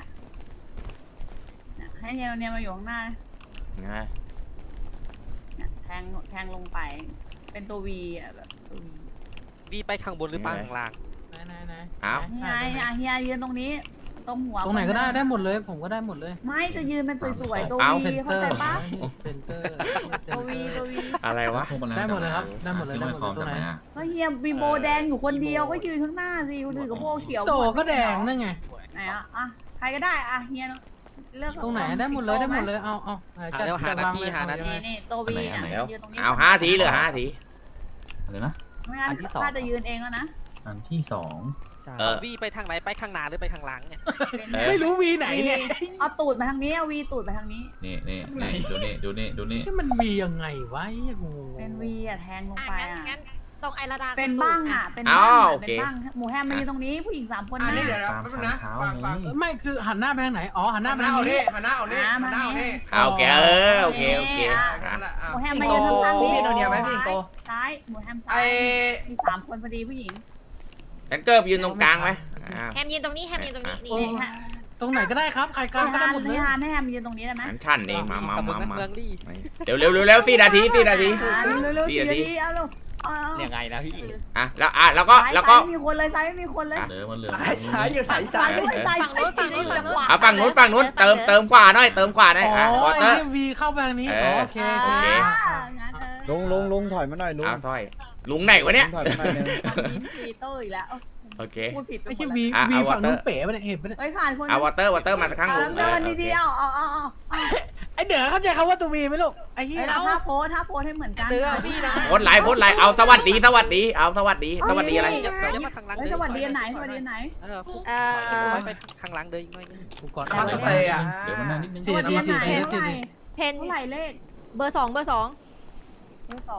Speaker 5: ให้เนี่ยมาอยู่ข้างหน้า
Speaker 3: ไง
Speaker 5: เนี่ยแทงลงไป เป็นตัววีอ่ะแบบตัววี
Speaker 1: วีไปข้างบนหรือไปข้างล่าง
Speaker 9: ไหน
Speaker 3: เอา
Speaker 5: เฮียยืนตรงนี้ ตรงหัว
Speaker 9: ตรงไหนก็ได้ได้หมดเลย ผมก็ได้หมดเลย
Speaker 5: ไม่จะยืนเป็นสวยๆตัว
Speaker 3: เอา
Speaker 5: วีเข้าใจปะ
Speaker 9: เซนเตอร์
Speaker 5: ตัววีตัววี
Speaker 3: อะไรวะ
Speaker 9: ได้หมดเลยครับได้หมดเลยได้หมดเลยตรงไหน
Speaker 5: ก็เฮียมีโบแดงอยู่คนเดียวก็ยืนข้างหน้าสิคนอื่นก็โบเขียว
Speaker 9: โตก็แดงนั่นไง
Speaker 5: ไหนอ่ะใครก็ได้อ่ะเฮียเลือก
Speaker 9: ตรงไหนได้หมดเลยได้หมดเลยเอาจัด
Speaker 1: เร็วหา
Speaker 9: จัด
Speaker 1: หน้าว
Speaker 9: าง
Speaker 1: ที่
Speaker 9: เลย
Speaker 1: หาหน้าที่
Speaker 5: นี่ตัววีเนี่ย
Speaker 3: เดี๋ยว
Speaker 5: ยืนตรงนี้
Speaker 3: เอา5 ทีเหลือ5 ที
Speaker 10: อะไรนะ
Speaker 5: ไม่งั้น
Speaker 10: อันที่สอง
Speaker 5: ถ้าจะยืนเองแล้วนะ
Speaker 10: อันที่สอง
Speaker 1: วีไปทางไหนไปข้างหน้าหรือไปข้างหลังเนี่ย
Speaker 9: ไม่รู้วีไหนเนี่ย
Speaker 5: เอาตูดมาทางนี้เอาวีตูดมาทางนี้
Speaker 10: นี่ดูนี่
Speaker 9: ที่มันวียังไงวะงง
Speaker 5: เป็นวีอ่ะแทงลงไปอ่ะ
Speaker 7: งั้นตรงไอระดา
Speaker 5: เป็นบ้างอ่ะเป็น
Speaker 3: อ้า
Speaker 5: บ้าง
Speaker 3: ว
Speaker 5: อ่ะ
Speaker 3: โอ
Speaker 5: เป็
Speaker 3: เค
Speaker 5: นบ้างหมูแฮมมายืนตรงนี้ผู้หญิง3 คนนะ
Speaker 8: เดี๋ยว
Speaker 10: ตามทางเท้าไง
Speaker 9: ไม่คือหันหน้าไปทางไหนอ๋อหันหน้าไปทางนี้
Speaker 8: หันหน้าเอานี่หันหน้าเอานี่
Speaker 3: เอาโอเคโอเค
Speaker 5: หมูแฮมมายืนข้างๆ
Speaker 8: พี่
Speaker 5: นี้
Speaker 8: โดเนียไหมพี่สิงโต
Speaker 5: ซ้ายหมูแฮมซ้า
Speaker 8: ไอ้
Speaker 5: ยมี3 คนพอดีผู้หญิง
Speaker 3: ฉันเกิบยืนตรงกลางไหม
Speaker 7: แฮมยืนตรงนี้แฮมยืนตรงนี้นี่
Speaker 5: นี่ฮะ
Speaker 9: ตรงไหนก็ได้ครับใครกลางก็ได้หมดเลย
Speaker 5: ให้ให้แฮมยืนตรงนี้ได้ไหม
Speaker 3: ฉันขั้นเองมา
Speaker 1: กับเมืองเมืองลี่
Speaker 3: เร็ว4 นาที4 นาที
Speaker 5: เร็วๆ
Speaker 3: 4 นาที
Speaker 5: 4 เอาลูกเอา
Speaker 10: ยังไงนะพี่
Speaker 3: แล้วก็
Speaker 5: ซ้ายไม่มีคนเลยซ้ายไม่มีคนเลย
Speaker 10: เหลือมันเหลือ
Speaker 8: ซ้ายอยู่ไหนซ้าย
Speaker 5: ด้วยซ้ายฝั่งนู้นอยู่จังหวะ
Speaker 3: เอาฝั่งนู้นเติมขวาหน่อยเติมขวาหน่อย
Speaker 9: อ๋อ
Speaker 3: วอเตอ
Speaker 9: ไอ้
Speaker 3: ร์
Speaker 9: ที่วีเข้าไปทางนี้โอเค
Speaker 3: โอเค
Speaker 5: งั้น
Speaker 4: ลุงถอยมาหน่อยลุง
Speaker 3: เอาถอยลุงไหนวะเนี่ย
Speaker 4: ถอยมาหน่อยนึง
Speaker 5: มีเตอร์อีกแล้ว
Speaker 3: โอเค
Speaker 5: พูดผิดไป
Speaker 9: ไม่
Speaker 5: หม
Speaker 9: ใช่
Speaker 5: ด
Speaker 9: วี
Speaker 5: แล้ว
Speaker 9: วีฝั่งนู้นเป๋ไปเนี่ยเห็นไปเนี่ย
Speaker 5: เฮ้ยขาดคน
Speaker 3: เอาวอเตอร์มาข้างลุง
Speaker 5: เดินดีๆเอา
Speaker 9: ไอเด๋อเข้าใจคำว่าตัววีไหมลูกไอ้เหี้ย
Speaker 5: แล้วถ้าโพสให้เหมือนกัน
Speaker 1: เดือพี่นะ
Speaker 3: โพสไลน์เอาสวัสดีเอาสวัสดีอะไร
Speaker 1: จะมาข้างหลัง
Speaker 5: สวัสดีไหนสวัสดีไหน
Speaker 1: ไปข้างหลังเดินอีกหน่อยนึง
Speaker 9: กูกอด
Speaker 8: มาสเตย์อ่ะ
Speaker 10: เดี๋ยวมันนานนิดนึง
Speaker 5: สวัสดีไหนเท่าไหร่
Speaker 7: เพน
Speaker 5: เท่าไหร่เลข
Speaker 7: เบอร์ 2 เบอร์ 2
Speaker 5: เบอร์
Speaker 10: เบอร์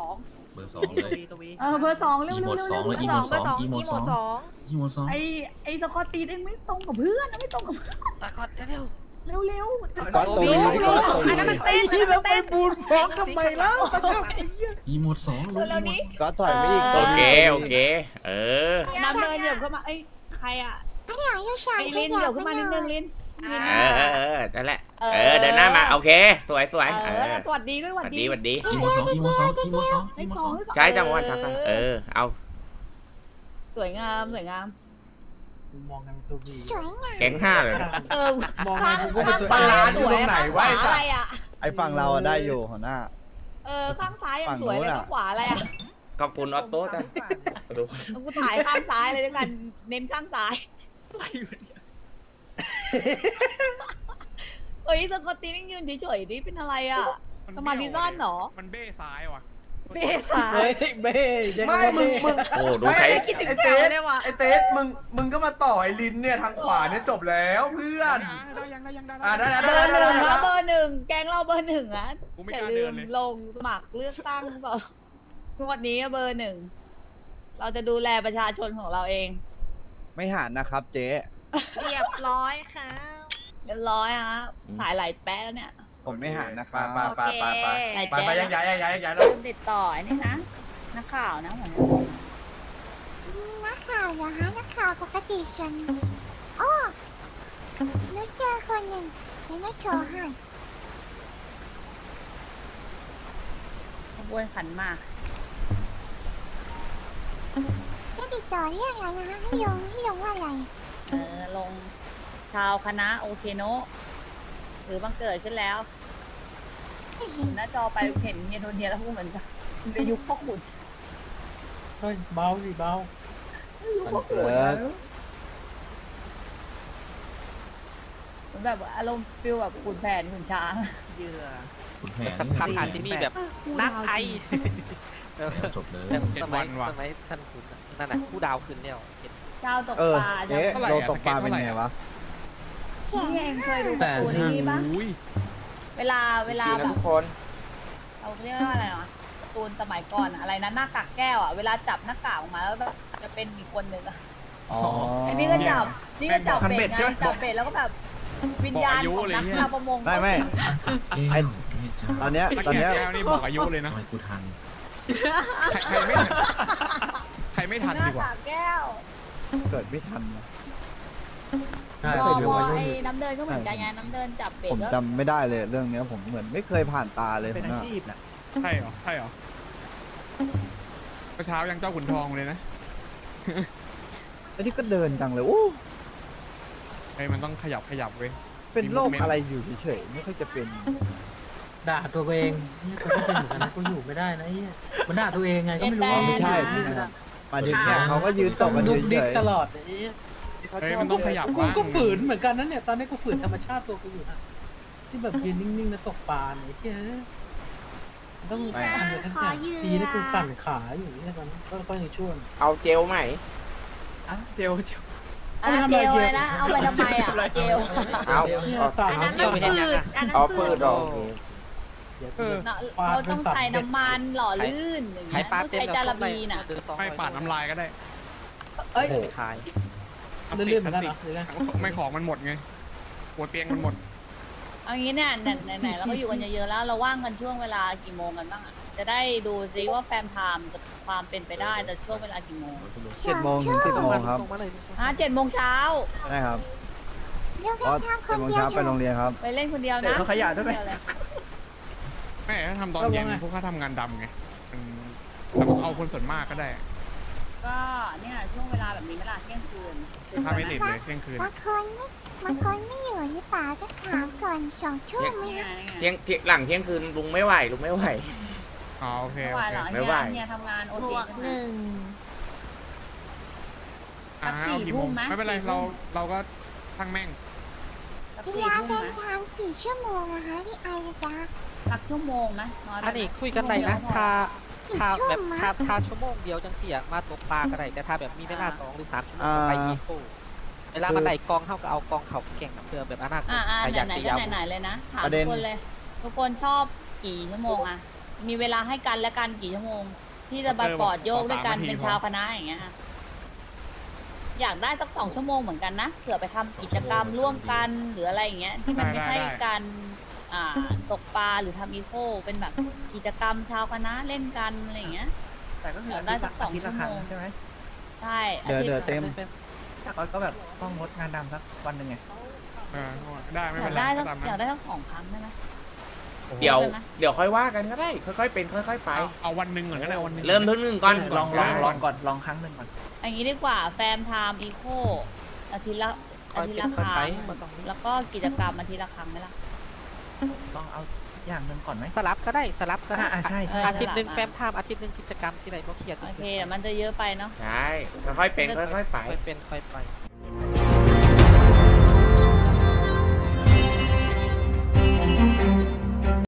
Speaker 10: 2 เลย
Speaker 8: ตัววี
Speaker 5: 2เบอร์ 2เร็ว
Speaker 10: อีโมด 2เลย
Speaker 7: เบอร์ 2 เบอร์ 2
Speaker 10: อี
Speaker 7: อี
Speaker 10: โม
Speaker 7: โม
Speaker 10: ด
Speaker 7: 2
Speaker 10: อีโมด2
Speaker 5: ไอ้สกอตตีเองไม่ตรงกับเพื่อนไม่ตรงกับ
Speaker 1: ตะกอดเร็ว
Speaker 5: เร็ว
Speaker 4: ก๊อตตัววีก๊อตตัววี
Speaker 7: อันนั้นมันเต้น
Speaker 9: ที่เราไปบูนฟ้องทำไมแล้ว
Speaker 10: อีโมด2เลย
Speaker 5: แล้วนี้
Speaker 4: ก๊อตถอยไปอีก
Speaker 3: โอเคเออ
Speaker 5: น้ำเดินเหยียบเข้ามาไอ้ใครอ่ะ
Speaker 7: อันหลังอยู่สาม
Speaker 5: ไอ้ลินเหยียบเข้ามานิดนึงลิน
Speaker 3: นั่นแหละเดินหน้ามาโอเคสวย
Speaker 5: สวัสดีด้วยสวัสดี
Speaker 3: สวัสดี
Speaker 10: อีโมด2อีโมด2อีโมด2
Speaker 5: ให้
Speaker 10: อีโมด
Speaker 5: สอง
Speaker 3: ใช่จังหวะชักเอา
Speaker 5: สวยงามสวยงาม
Speaker 9: มองกันตัววี
Speaker 7: สวยงาม
Speaker 3: แก๊ง5เลย
Speaker 9: มองกันกูก็เป็นตัว
Speaker 8: ปลา
Speaker 9: เอ
Speaker 8: ร้าง อยู่ตรงไหนวะ
Speaker 5: อะไรอ่ะ
Speaker 4: ไอ้ฝั่งเราอะได้อยู่หัวหน้า
Speaker 5: ข้างซ้ายยังสวยเลยข้างขวาอะไรอ่ะ
Speaker 3: ขอบคุณออโต้จ้ะดู
Speaker 5: กูถ่ายข้างซ้ายเลยด้วยกันเน้นข้างซ้ายเฮ้ยสกอตตีนี่ยืนเฉยๆนี่เป็นอะไรอ่ะสมาธิสั้นเหรอ
Speaker 6: มันเบ้ซ้ายว่ะ
Speaker 5: เบซ้าย
Speaker 9: เฮ้ยเบ้
Speaker 8: ไม่มึง
Speaker 3: โอ้ดูใคร
Speaker 8: ไอเตสไอเตสมึงก็มาต่อไอลินเนี่ยทางขวาเนี่ยจบแล้วเพื่อน
Speaker 6: ได้ยังได้
Speaker 5: เบอร์หนึ่งนะเบอร์หนึ่งแกงเราเบอร์หนึ่งอ่ะ
Speaker 6: กูไม่
Speaker 5: อก ย่า
Speaker 6: ล้า
Speaker 5: ลื
Speaker 6: เดิน
Speaker 5: ม
Speaker 6: เลย
Speaker 5: ลงสมัครเลือกตั้งก่อนวันนี้เบอร์หนึ่งเราจะดูแลประชาชนของเราเอง
Speaker 4: ไม่หันนะครับเจ๊
Speaker 7: เรียบร้อยค่ะ
Speaker 5: เรียบร้อยฮะถ่ายหลายแป๊ะแล้วเนี่ย
Speaker 4: ผมไม่หันนะค
Speaker 8: ไป
Speaker 4: รับ
Speaker 8: ไปยังย้ายแล้ว
Speaker 5: ลืมติดต่อไอ้นี่นะนักข่าวนะเหมือน
Speaker 7: นักข่าวเหรอฮะนักข่าวปกติฉันโอ้หนูเจอคนหนึ่งเดี๋ยวหนูโทรให้
Speaker 5: ขบวนขันหมาก
Speaker 7: จะติดต่อเรื่องอะไรนะฮะให้ลงว่าอะไร
Speaker 5: ลงชาวคณะโอเคโนะหรือบังเกิดขึ้นแล้ว หน้าจอไปเห็นเฮียโทเนียแล้วพูดเหมือนกันในยุคพ่อขุน
Speaker 9: เฮ้ยเบาสิเบา
Speaker 5: ยุคพ่อขุนเหมือนแบบอารมณ์ฟิลแบบขุนแผนขุนช้าง
Speaker 8: เหยื่อ
Speaker 10: คุณแผน
Speaker 1: สัมภาษณ์ผ่านที่นี่แบบนักไอ
Speaker 10: จบเลย
Speaker 1: สมัยท่านคุณนั่นน่ะผู้ดาวขึ้นแล้ว
Speaker 5: เจ้าตก
Speaker 4: เออ
Speaker 5: ปลา
Speaker 4: เจ๊โลตกปลาเป็นไงวะ
Speaker 5: พี่เองเคยดูการ์ตูนนี้ปะ
Speaker 6: อุ้ย
Speaker 5: เวลา
Speaker 3: ชิ
Speaker 5: แบ
Speaker 3: วๆนะ
Speaker 5: บ
Speaker 3: ทุกคน
Speaker 5: เราเรียกว่าอะไรวะการ์ตูนสมัยก่อนอะอะไรนะหน้ากากแก้วอะเวลาจับหน้ากากออกมาแล้วแบบจะเป็นอีกคนหนึ่งอะ
Speaker 4: อ๋อ
Speaker 5: อันนี้ก็จับนี่ก็จับ
Speaker 8: คันเบ็
Speaker 5: เบ็
Speaker 8: ด
Speaker 5: ด
Speaker 8: ใช่ไหม
Speaker 5: ไงจับเบ็ดแล้วก็แบบวิญญาณของนักชาวประมง
Speaker 4: ไม่
Speaker 10: แก้ว
Speaker 4: ไอ้
Speaker 10: ไม่ใช่
Speaker 4: ตอนเนี้ย
Speaker 6: ถ้า
Speaker 4: ตอน
Speaker 6: แก่
Speaker 4: เนี้ย
Speaker 6: แก้วนี่บอกอายุเลยนะ
Speaker 10: ทำไมกูทัน
Speaker 6: ใครไม่ทัน
Speaker 5: หน้า
Speaker 6: ดีกว่า
Speaker 5: กากแก้ว
Speaker 4: เกิดไม่ทันนะ
Speaker 9: ใช่
Speaker 5: พอ
Speaker 9: เดี๋ยว
Speaker 5: พอ
Speaker 9: วัยรุ่น
Speaker 5: ไอ้น้ำเดินก็เหมือนกันไงน้ำเดินจับเบ็ด
Speaker 4: ผม
Speaker 5: ก็
Speaker 4: จำไม่ได้เลยเรื่องเนี้ยผมเหมือนไม่เคยผ่านตาเลย
Speaker 8: เป็นอา
Speaker 4: นะ
Speaker 8: ชีพน่ะ
Speaker 6: ใช่เหรอ ใช่เหรอเมื่อเช้ายังเจ้าขุนทองเลยนะ
Speaker 4: ไอ้นี่ก็เดินจังเลยโอ้
Speaker 6: เฮ้ยมันต้องขยับเว้ย
Speaker 4: เป็นโรคอะไรอยู่เฉยๆไม่ค่อยจะเป็น
Speaker 9: ด่าตัวเองเนี่ยกูก็เป็นเหมือนกันนะกูอยู่ไม่ได้นะไอ้เหี้ยมันด่าตัวเองไงก็ไม่รู้
Speaker 4: ไม่ใช่
Speaker 9: ไม่
Speaker 4: ไม่
Speaker 9: ได้
Speaker 4: ใช่มาถึงเนี่ยเขาก็ยืนตบกัน
Speaker 9: ดุกดิ
Speaker 4: เฉ
Speaker 9: ก
Speaker 4: ย
Speaker 9: ตลอดไอ้เหี้ย
Speaker 6: เฮ้ยมันต้องขยับ
Speaker 9: กู
Speaker 6: บ้าง
Speaker 9: ก็ฝืนเหมือนกันนะเนี่ยตอนนี้กูฝืนธรรมชาติตัวกูอยู่นะที่แบบยืนนิ่งๆแล้วตกปลาเนี่ยไอ้เหี้ยต้องทำอะไรทั้งอย่างดีนะกูสั่นขาอยู่เนี่ยตอนนี้ก็ยังช่วย
Speaker 3: เอาเจลใหม่
Speaker 8: อ่ะเจล
Speaker 5: อ่ะเจลเลยนะเอาไปทำไมอ่ะเจล
Speaker 3: เอา
Speaker 9: เนี่ยสั่น
Speaker 1: อันนั้นมันฝืด
Speaker 3: เอาฟืดออก
Speaker 9: เดี๋ยว
Speaker 6: เออ
Speaker 5: เนอะเราต้องใช้น้ำมันหล่อลื่นอย่าง
Speaker 1: ไข่
Speaker 5: เงี้ย
Speaker 1: ปลา
Speaker 5: ต้อง
Speaker 1: เต็ม
Speaker 5: ใช้จาระบีน่ะ
Speaker 6: ไม่ปาดน้ำลายก็ได้
Speaker 4: ๆโอ้โห
Speaker 1: ไปขาย
Speaker 9: เลื่อนๆเหมือนกันเหรอหรือไง
Speaker 6: ไม่ของมันหมดไงหัวเตียงมันหมด
Speaker 5: เอางี้เนี่ยไหนๆเราก็อยู่กันเยอะๆแล้วเราว่างกันช่วงเวลากี่โมงกันบ้างอ่ะจะได้ดูซิว่าแฟมไทม์จะความเป็นไปได้แต่ช่วงเวลากี่โมง
Speaker 4: 7 โมงถึง 10 โมงครับ
Speaker 1: ส่งมาเลย
Speaker 5: 7 โมงเช้า
Speaker 4: ใช่ครับ
Speaker 7: เดี๋ยว
Speaker 4: เพราะ
Speaker 7: ทำค
Speaker 4: 7
Speaker 7: น
Speaker 4: โมง
Speaker 7: เดียว
Speaker 4: เช้าไปโรงเรียนครับ
Speaker 5: ไปเล่นคนเดียว
Speaker 8: เดี๋ย
Speaker 5: นะ
Speaker 8: วเขาขยะด้วยไหม
Speaker 5: คนเเลย
Speaker 6: ไม่ถ้าทำตอนเย็นพวกเขาทำงานดำไงมันแต่ผมเอาคนส่วนมากก็ได้
Speaker 5: ก็เนี่ยช่วงเวลาแบบนี้เวลาเที่ยงคืนถึง
Speaker 6: ถ้าไม่
Speaker 5: ไหม
Speaker 6: ติดเลยเที่ยงคืน
Speaker 7: บางคนไม่อยู่นี่ป๋าจะถามก่อน2 ชั่วโมงไหม
Speaker 5: นี่ไง
Speaker 7: คะ
Speaker 5: นี่ไง
Speaker 3: เที่ยงหลังเที่ยงคืนลุงไม่ไหว
Speaker 6: อ๋อโอเค
Speaker 5: ไม่
Speaker 6: โอ
Speaker 5: ไหว
Speaker 6: เค
Speaker 5: หรอ
Speaker 3: ไม่ไหว
Speaker 5: เนี่ยทำงานโอที
Speaker 6: อ่าเอากี่โมงไม่เป็นไรเราก็ทั้งแม่ง
Speaker 5: สัก
Speaker 7: เว
Speaker 5: สี่
Speaker 7: ลา
Speaker 5: ทุ่
Speaker 7: แฟ
Speaker 5: ม
Speaker 7: น
Speaker 5: นะ
Speaker 7: ทำกี่ชั่วโมงอะคะพี่ไอจะจ๊ะ
Speaker 5: สักชั่วโมงไหมน้อยไปไหม
Speaker 1: อันนี้คุยกันได้นะถ้า
Speaker 7: กี่
Speaker 1: ถ้า
Speaker 7: ชั่ว
Speaker 1: แบบ
Speaker 7: โมง
Speaker 1: ถ้าชั่วโมงเดียวจังเสียมาตกปลาก็ได้แต่ถ้าแบบมีเวลา2 หรือ 3 ชั่วโมงก็ไปอีโก้เวลามันได้กองเท่ากับเอากองเขาแข่งกับเพื่อแบบอนาคต
Speaker 5: อ่า
Speaker 1: ใครอยาก
Speaker 5: ไหน
Speaker 1: จะ
Speaker 5: ๆก็
Speaker 1: ยาว
Speaker 5: ไหนๆเลยนะถาม
Speaker 4: ประ
Speaker 5: ทุ
Speaker 4: เด็
Speaker 5: ก
Speaker 4: น
Speaker 5: คนเลย ทุกคนชอบกี่ชั่วโมงอะมีเวลาให้กันและกันกี่ชั่วโมง ที่จะไปปอดโยกด้วยกันเป็นชาวคณะอย่างเงี้ยอะอยากได้สัก2 ชั่วโมงเหมือนกันนะเผื่อไปทำกิจกรรมร่วมกันหรืออะไรอย่างเงี้ยที่มันไม่ใช่การตกปลาหรือทำอีโคเป็นแบบกิจกรรมชาวคณะเล่นกันอะไรอย่างเงี้ย
Speaker 8: แต่ก็คือ
Speaker 5: ได้สัก2
Speaker 8: อาทิตย์ละครั้ง
Speaker 5: ชั่วโมง
Speaker 8: ใช่ไหม
Speaker 5: ใช่
Speaker 4: เดี๋ยว
Speaker 5: อาทิต
Speaker 4: เดี๋ยว
Speaker 5: ย์
Speaker 4: เต็ม
Speaker 8: ก็แบบต้องงดงานดำสักวันหนึ่งไง
Speaker 6: ได้ไม่
Speaker 5: อ
Speaker 6: เป็
Speaker 5: ยาน ก
Speaker 6: ไร
Speaker 5: ได้
Speaker 6: ก็
Speaker 5: สัก
Speaker 6: ตาม
Speaker 5: อยาก
Speaker 6: นั้น
Speaker 5: ได้สัก2 ครั้งได้ไหม
Speaker 3: เดี๋ยว
Speaker 5: ได้ไหม
Speaker 3: เดี๋ยวค่อยว่ากันก็ได้ ค่อยๆเป็นค่อยๆไป
Speaker 6: เอาวันหนึ่งก่อนก็ได้วันหนึ่ง
Speaker 3: เริ่มที่หนึ่งก่อน
Speaker 8: ลองก่อนลองครั้งหนึ่งก่อน
Speaker 5: อย่างนี้ดีกว่าแฟมไทม์อีโคอาทิตย์ละ
Speaker 1: ค่อย
Speaker 5: อาทิต
Speaker 1: เป็
Speaker 5: ย์
Speaker 1: น
Speaker 5: ละ
Speaker 1: ค่อย
Speaker 5: ค
Speaker 1: ไป
Speaker 5: รั้ง
Speaker 1: มันต้องมี
Speaker 5: แล้วก็กิจกรรมอาทิตย์ละครั้งไหมล่ะ
Speaker 8: ลองเอาอย่างหนึ่งก่อนไหม
Speaker 1: สลับก็ได้สลับก็ได้
Speaker 8: ใช่
Speaker 5: ใช่
Speaker 1: อาทิตย์หนึ่งแฟมไทม์อาทิตย์หนึ่งกิจกรรมที่ไหนบ่เครียด
Speaker 5: โอเคมันจะเยอะไปเนาะ
Speaker 3: ใช่ ค่อยๆเป็นค่อยๆไป
Speaker 1: ค่อยเป็นค่อยไป